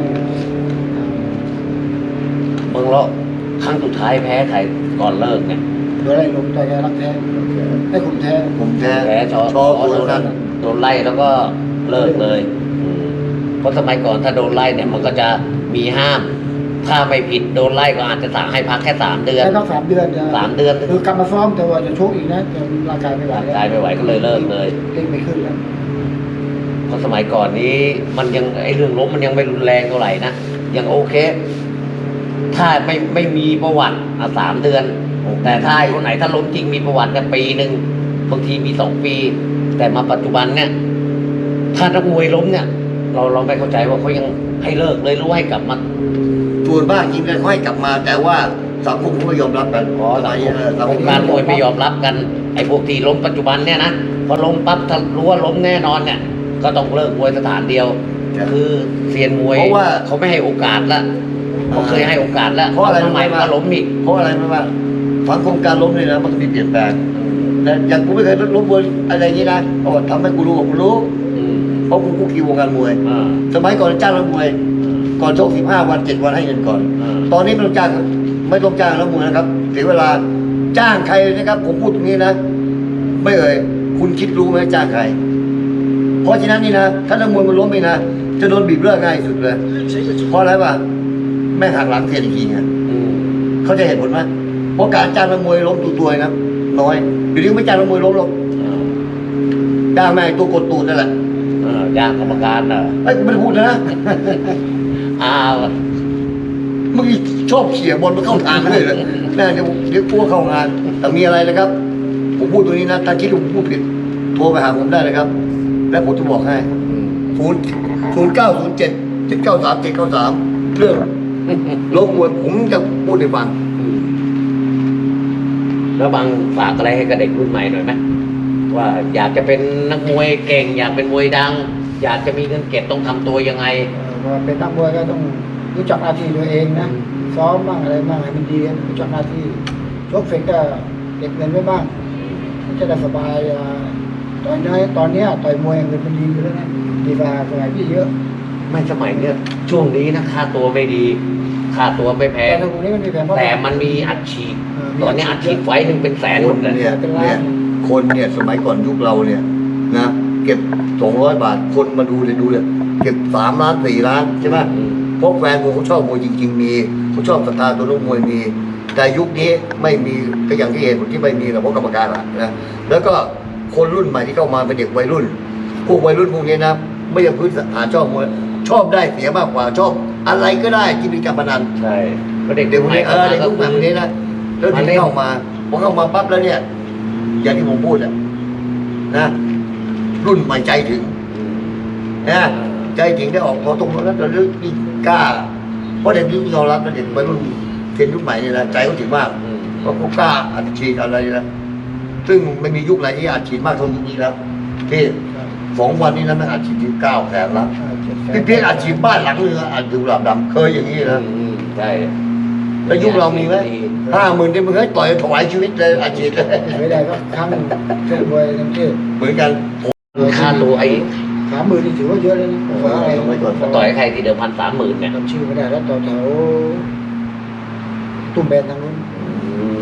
[SPEAKER 1] เมืองเลาะครั้งสุดท้ายแพ้ใครก่อนเลิกเนี่ย
[SPEAKER 3] โดนไล่ลงต่อยกันรักแท้ให้ขุนแท้
[SPEAKER 2] ผมแท้
[SPEAKER 1] แพ้ชอ
[SPEAKER 2] ชอบ
[SPEAKER 1] โด
[SPEAKER 2] ตัวน นั้น
[SPEAKER 1] โดนไล่แล้วก็เลิกเลยอืมเพราะสมัยก่อนถ้าโดนไล่เนี่ยมันก็จะมีห้าม ถ้าไม่ผิดโดนไล่ก็อาจจะสั่งให้พักแค่สามเดือน
[SPEAKER 3] ได้ต้องสามเดือน
[SPEAKER 1] สามเดือน
[SPEAKER 3] คือกลับมาซ้อมแต่ว่าจะชกอีกนะแต่ร่างกายไม่ไหว
[SPEAKER 1] ร่าง
[SPEAKER 3] แล้ว
[SPEAKER 1] กายไม่ไหวก็เลยเลิกเลย
[SPEAKER 3] เล่นไม่ขึ้นแล้ว
[SPEAKER 1] เพราะสมัยก่อนนี้มันยังไอ้เรื่องล้มมันยังไม่รุนแรงเท่าไหร่นะยังโอเค ถ้าไม่ไม่มีประวัติอ่ะสามเดือน แต่ถ้าไอ้คนไหนถ้าล้มจริงมีประวัติเนี่ยปีหนึ่งบางทีมีสองปี แต่มาปัจจุบันเนี่ย ถ้านักมวยล้มเนี่ย เราเราไม่เข้าใจว่าเขายังให้เลิกเลยหรือว่าให้กลับมา
[SPEAKER 2] ส่วนมากจริงๆค่อยกลับมา แต่ว่าสังคมเขาไม่ยอมรับกัน
[SPEAKER 1] อ๋อ
[SPEAKER 2] สมัยนี้เออสังคม
[SPEAKER 1] การมวยไม่ยอมรับกันไอ้พวกที่ล้มปัจจุบันเนี่ยนะพอล้มปั๊บถ้ารู้ว่าล้มแน่นอนเนี่ย ก็ต้องเลิกมวยสถานเดียว คือเซียนมวย
[SPEAKER 2] เพราะว่า
[SPEAKER 1] เขาไม่ให้โอกาสละเขาเคยให้โอกาสแล้ว
[SPEAKER 2] เพราะอะไร
[SPEAKER 1] ทำไม
[SPEAKER 2] รู้ไหม
[SPEAKER 1] ก็ล้มอีก
[SPEAKER 2] เพราะอะไรรู้ไหมว่าสังคมการล้มเนี่ยนะมันก็มีเปลี่ยนแปลงแต่อย่างกูไม่เคยล้มมวยอะไรอย่างนี้นะโอ้ทำให้กูรู้ว่ากูรู้
[SPEAKER 1] อืม
[SPEAKER 2] เพราะกูคุกคีวงการมวย
[SPEAKER 1] อ่า
[SPEAKER 2] สมัยก่อนจ้างนักมวย ก่อนชกสิบห้าวันเจ็ดวันให้เงินก่อน
[SPEAKER 1] อ่า
[SPEAKER 2] ตอนนี้ไม่ต้องจ้างไม่ต้องจ้างนักมวยนะครับเสียเวลาจ้างใครนะครับ ผมพูดตรงนี้นะ ไม่เอ่ยคุณคิดรู้ไหมจ้างใคร เพราะฉะนั้นนี่นะถ้านักมวยมันล้มไปนะจะโดนบีบเลือดง่ายสุดเลยเพราะอะไรวะแม่งหักหลังเสียอีกทีไง
[SPEAKER 1] อืม
[SPEAKER 2] เขาจะเห็นผลไหมเพราะการจ้างนักมวยล้มตัวตัวๆนะน้อยเดี๋ยวนี้ไม่จ้างนักมวยล้มหรอก
[SPEAKER 1] อ่า
[SPEAKER 2] จ้างแม่งตัวกดตูดนั่นแหละ
[SPEAKER 1] อ่าย่างกรรมการอ่ะ
[SPEAKER 2] ไอ้ยกูไม่ได้พูดนะ
[SPEAKER 1] อ้าว
[SPEAKER 2] เมื่อกี้ชอบเขี่ยบอลมาเข้าทางเลยเลยน่าเดี๋ยวเดี๋ยวกลัวเข้างาน แต่มีอะไรนะครับ ผมพูดตรงนี้นะ ถ้าคิดว่าผมพูดผิด โทรไปหาผมได้เลยครับ แล้วผมจะบอกให้ศูนย์ศูนย์เก้าศูนย์เจ็ดเจ็ดเก้าสามเจ็ดเก้าสามเรื่องโลกมวยผมจะพูดให้ฟัง
[SPEAKER 1] อืมแล้วบางฝากอะไรให้กับเด็กรุ่นใหม่หน่อยไหมว่าอยากจะเป็นนักมวยเก่ง อยากเป็นมวยดัง อยากจะมีเงินเก็บต้องทำตัวยังไง
[SPEAKER 3] เอ่อว่าเป็นนักมวยก็ต้องรู้จักหน้าที่ตัวเองนะซ้อมบ้างอะไรบ้างให้มันดีรู้จักหน้าที่ชกเสร็จก็เก็บเงินไว้บ้างมันจะได้สบายอ่าตอนนี้ตอนเนี้ยต่อยมวยเงินมันดีอยู่แล้วนะดีกว่าสมัยพี่เยอะ
[SPEAKER 1] ไม่สมัยเนี้ยช่วงนี้นะค่าตัวไม่ดี ค่าตัวไม่แพ
[SPEAKER 3] แต่
[SPEAKER 1] ง
[SPEAKER 3] ตรงนี้มันมีแผนเพราะ
[SPEAKER 1] แต่มันมีอัดฉีด
[SPEAKER 3] เออมี
[SPEAKER 1] ตอนนี้อัดฉีดไฟหนึ่งเป็นแสนห
[SPEAKER 2] ค
[SPEAKER 1] ม
[SPEAKER 2] น
[SPEAKER 1] ดเลย
[SPEAKER 2] เนี่ยเนี่ยคนเนี่ยสมัยก่อนยุคเราเนี่ยนะเก็บสองร้อยบาทคนมาดูเลยดูเลยเก็บสามล้านสี่ล้านใช่ไหม
[SPEAKER 1] อืม
[SPEAKER 2] เพราะแฟนมวยเขาชอบมวยจริง ๆ มีเขาชอบศรัทธาตัวลูกมวยมี แต่ยุคนี้ไม่มีก็อย่างที่เห็นที่ไม่มีหรอกเพราะกรรมการอะนะแล้วก็คนรุ่นใหม่ที่เข้ามาเป็นเด็กวัยรุ่น พวกวัยรุ่นพวกนี้นะไม่ยังพื้นฐานชอบมวยชอบได้เสียมากกว่าชอบอะไรก็ได้ที่เป็นการพนัน
[SPEAKER 1] ใช่ก็เด็ก
[SPEAKER 2] เด็กพวกนี้เออ
[SPEAKER 1] ข้า
[SPEAKER 2] เด็ก
[SPEAKER 1] มา
[SPEAKER 2] รุ่นใหม่พวกนี้นะแล้วถึงเข้ามาพอเข้ามาปั๊บแล้วเนี่ย อย่างที่ผมพูดอะนะรุ่นใหม่ใจถึง นะใจจริงได้ออกพอตรงนั้นแล้วเรื่องนี่กล้า เพราะเด็กที่ยอมรับนะเด็กวัยรุ่นเทรนยุคใหม่เนี่ยนะใจเขาถึงมาก
[SPEAKER 1] อืม
[SPEAKER 2] เพราะเขากล้าอัดฉีดอะไรนะซึ่งไม่มียุคไหนที่อัดฉีดมากเท่ายุคนี้แล้วที่สองวันนี้นะมันอัดฉีดที่เก้าแสนแล้วพี่เพียงอัดฉีดบ้านหลังนึงอะอัดดูหลาบดำเคยอย่างนี้นะ
[SPEAKER 1] อืมใช่
[SPEAKER 2] แล้วยุคเรามีไหมห้าหมื่นที่มึงให้ต่อยถวายชีวิตเลยอัดฉีดเลย
[SPEAKER 3] ไม่ได้ก็ครั้งหนึ่งชกมวยทั้งที่
[SPEAKER 2] เหมือนกัน
[SPEAKER 1] ค่าตัวไอ้
[SPEAKER 3] สามหมื่นนี่ถือว่าเยอะเลยนะเพราะอะไร
[SPEAKER 1] ต่อยให้ใครที่เดิมพันสามหมื่นเนี่ย
[SPEAKER 3] จำชื่อไม่ได้แล้วต่อแถวตุ้มแบนทางนู้น
[SPEAKER 1] อืม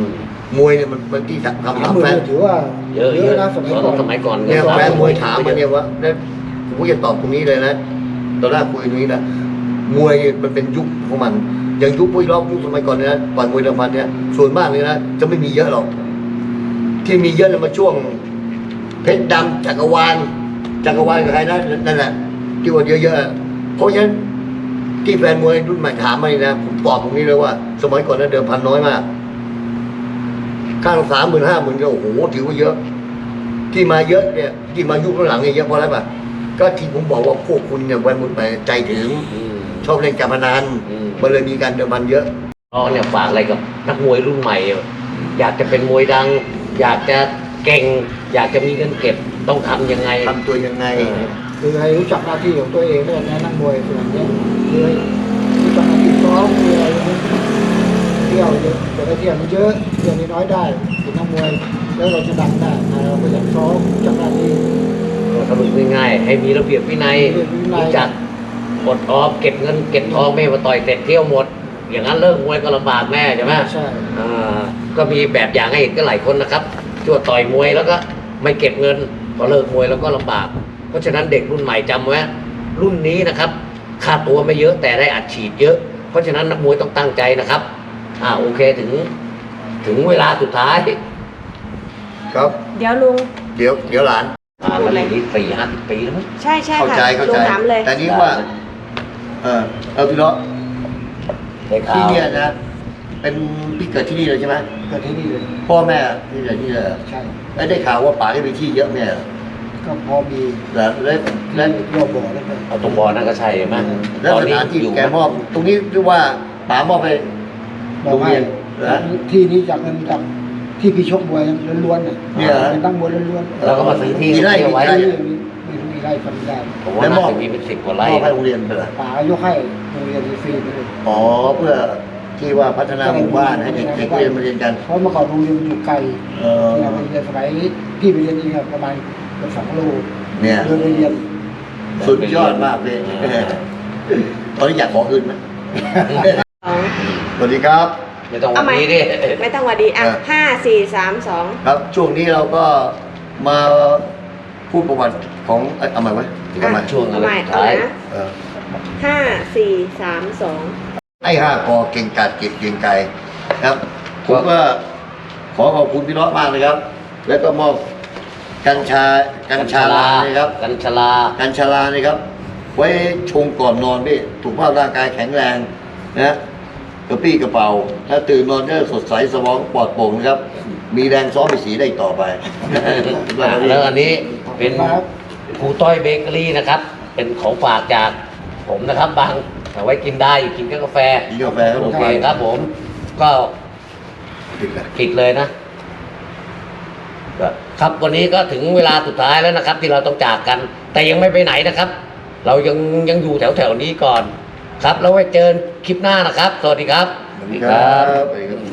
[SPEAKER 2] มวยเนี่ยมันมันที่ทำ
[SPEAKER 3] สาม
[SPEAKER 2] ทำ
[SPEAKER 3] หมื่
[SPEAKER 2] แฟ
[SPEAKER 3] น
[SPEAKER 2] น
[SPEAKER 3] ถือว่า
[SPEAKER 1] เยอะเยอะ
[SPEAKER 3] นะสมัย
[SPEAKER 1] ต
[SPEAKER 3] ก่อ
[SPEAKER 1] อน
[SPEAKER 3] น
[SPEAKER 1] สมัยก่อน
[SPEAKER 2] เนี่ยแฟนมวยถามมา
[SPEAKER 1] เย
[SPEAKER 2] เนี่ย
[SPEAKER 1] อะ
[SPEAKER 2] ว่าเนี่ยผมก็จะตอบตรงนี้เลยนะตอนแรกคุยตรงนี้นะมวยมันเป็นยุคของมันอย่างยุคพวกรอบยุคสมัยก่อนเนี่ยนะก่อนมวยเดิมพันเนี่ยส่วนมากเลยนะจะไม่มีเยอะหรอกที่มีเยอะเนี่ยมาช่วงเพชรดำจักรวาลจักรวาลกับใครนะนั่นแหละที่ว่าเยอะๆเพราะฉะนั้นที่แฟนมวยรุ่นใหม่ถามมานี่นะผมตอบตรงนี้เลยว่า สมัยก่อนนั้นเดิมพันน้อยมากข้างสามหมื่นห้าหมื่นก็โอ้โหถือว่าเยอะ ที่มาเยอะเนี่ยที่มายุคหลังเนี่ยเยอะเพราะอะไรป่ะก็ที่ผมบอกว่าพวกคุณเนี่ยวันมุนไปใจถึง
[SPEAKER 1] อืม
[SPEAKER 2] ชอบเล่นการพนัน
[SPEAKER 1] อืม
[SPEAKER 2] มันเลยมีการเดิมพันเยอะ
[SPEAKER 1] น้องเนี่ยฝากอะไรกับนักมวยรุ่นใหม่ อยากจะเป็นมวยดัง อยากจะเก่ง อยากจะมีเงินเก็บต้องทำยังไง
[SPEAKER 2] ทำตัวยังไง
[SPEAKER 3] คือให้รู้จักหน้าที่ของตัวเองด้วยนะนักมวยส่วนนี้คือรู้จักหน้าที่ซ้อมคืออะไรเที่ยวเยอะแต่ถ้าเที่ยวมันเยอะเที่ยวน้อยได้เป็นนักมวยแล้วเราจะดังได้เราก็อยากซ้อมรู้จักหน้าที่
[SPEAKER 1] สรุปง่ายๆให้มีระเบียบวินัย
[SPEAKER 3] ระเบียบวินัย
[SPEAKER 1] รู้จักอดออมเก็บเงินเก็บทองไม่ให้มาต่อยเสร็จเที่ยวหมด อย่างนั้นเลิกมวยก็ลำบากแน่ใช่ไหม
[SPEAKER 3] ใช่
[SPEAKER 1] อ่าก็มีแบบอย่างให้เห็นก็หลายคนนะครับชั่วต่อยมวยแล้วก็ไม่เก็บเงินพอเลิกมวยแล้วก็ลำบาก เพราะฉะนั้นเด็กรุ่นใหม่จำไว้รุ่นนี้นะครับค่าตัวไม่เยอะแต่ได้อัดฉีดเยอะ เพราะฉะนั้นนักมวยต้องตั้งใจนะครับอ่าโอเคถึง ถึงเวลาสุดท้าย
[SPEAKER 2] ครับ
[SPEAKER 4] เดี๋ยวลุง
[SPEAKER 2] เดี๋ยวเดี๋ยวหลาน
[SPEAKER 1] อ่ามันอย่างนี้สี่ห้าสิบปีแล้วมั้ง
[SPEAKER 4] ใช่ใช่
[SPEAKER 2] เข้า
[SPEAKER 4] ค่ะ
[SPEAKER 2] ใจเข้า
[SPEAKER 4] ลุ
[SPEAKER 2] ใจ
[SPEAKER 4] งถามเลย
[SPEAKER 2] แต่นี้ว่า เออเออพี่เลาะ
[SPEAKER 1] ได้ข่า
[SPEAKER 2] ที่
[SPEAKER 1] ว
[SPEAKER 2] เนี่ยนะ เป็นพี่เกิดที่นี่เลยใช่ไหม
[SPEAKER 3] เกิดที่นี่เลย
[SPEAKER 2] พ่อแม่ที่เกิดที่นี่เลย
[SPEAKER 3] ใช่
[SPEAKER 2] แล้วได้ข่าวว่าป๋าได้ไปที่เยอะแม่เหรอ
[SPEAKER 3] ก็พอมี
[SPEAKER 2] แล้วแล้วแล้ว
[SPEAKER 3] รอบบ่อแล้วก็
[SPEAKER 1] เอาตรงบอลนั่นก็ใช่ไหม
[SPEAKER 2] แล้ว
[SPEAKER 1] ตอน
[SPEAKER 2] ส
[SPEAKER 1] นี้
[SPEAKER 2] ถานที่
[SPEAKER 1] อยู่
[SPEAKER 2] แกมอบตรงนี้เรียกว่าป๋ามอบให้
[SPEAKER 3] บอ
[SPEAKER 2] โร
[SPEAKER 3] ก
[SPEAKER 2] ง
[SPEAKER 3] ให้
[SPEAKER 2] เรียนนะ
[SPEAKER 3] ที่นี้จากเงินจากที่พี่ชกมวยล้วนๆเนี่ย
[SPEAKER 2] เนี่ยเหรอ
[SPEAKER 3] เป็นตั้งมวยล้วนๆ
[SPEAKER 1] แล้วก็มาซื้อที่
[SPEAKER 2] กี่ไร่
[SPEAKER 1] เที่ยวไว้
[SPEAKER 2] กี่
[SPEAKER 3] ไม่
[SPEAKER 2] ไร่
[SPEAKER 3] รู้ไม่รู้มีไร่จำไม่ได้
[SPEAKER 1] ผมว่าน่าจะมีเป็นสิบกว่าไร่
[SPEAKER 2] มอบให้
[SPEAKER 1] นะ
[SPEAKER 2] โรงเรียนไปเหรอ
[SPEAKER 3] ป่ายกให้โรงเรียนฟรีๆไปเลย
[SPEAKER 2] อ๋อเพื่อที่ว่าพัฒนาหมู่บ้านให้เด็กๆเรียนมาเรียนกัน
[SPEAKER 3] เพราะเมื่อก่อนโรงเรียนมันอยู่ไกล
[SPEAKER 2] เออ
[SPEAKER 3] เราไปเรียนสมัยพี่ไปเรียนเองอะประมาณเกือบสองโล
[SPEAKER 2] เนี่ย
[SPEAKER 3] เดินไปเรียน
[SPEAKER 2] สุดยอดมากเลยตอนนี้อยากขอคืนไหม
[SPEAKER 4] สอง
[SPEAKER 2] สวัสดีครับ
[SPEAKER 1] ไม่ต้องวั
[SPEAKER 4] เอา
[SPEAKER 1] น
[SPEAKER 4] ใหม่
[SPEAKER 1] นี้ดิ
[SPEAKER 4] ไม่ต้องวัดีอ่ะ
[SPEAKER 2] เออ
[SPEAKER 4] ห้าสี่สามสอง
[SPEAKER 2] ครับช่วงนี้เราก็มาพูดประวัติของเอ้ยเอาใหม่ไหมหรือเอาใหม่
[SPEAKER 1] ช่วงอะไร
[SPEAKER 4] ใหม่
[SPEAKER 1] สุด
[SPEAKER 4] เอา
[SPEAKER 1] ท้าย
[SPEAKER 4] นะ
[SPEAKER 2] เออ
[SPEAKER 4] ห้าสี่สามสอง
[SPEAKER 2] ไอ้ห้ากอเก่งกาจเก่งเก่งไกลครับผมก็ขอขอบคุณพี่น้องมากเลยครับ แล้วก็มอบกัญชากัญชาลานะครับ
[SPEAKER 1] กัญชาลา
[SPEAKER 2] กัญชาลานะครับ ไว้ชงก่อนนอนพี่ถูกภาพร่างกายแข็งแรงนะกระปี้กระเป๋า ถ้าตื่นนอนก็สดใสสมองปลอดโปร่งนะครับ มีแรงซ้อมมีสีได้ต่อไป
[SPEAKER 1] แล้วอันนี้เป็นครูต้อยเบเกอรี่นะครับ เป็นของฝากจากผมนะครับบางเอาไว้กินได้กินกับกาแฟ
[SPEAKER 2] กินกาแฟครับ
[SPEAKER 1] โอเคครับผม ก็
[SPEAKER 2] ติดกัน
[SPEAKER 1] ปิดเลยนะก็ครับวันนี้ก็ถึงเวลาสุดท้ายแล้วนะครับ ที่เราต้องจากกัน แต่ยังไม่ไปไหนนะครับ เรายังยังอยู่แถวแถวๆนี้ก่อน ครับแล้วไว้เจอคลิปหน้านะครับ สวัสดีครับ
[SPEAKER 2] สวัสดีครับ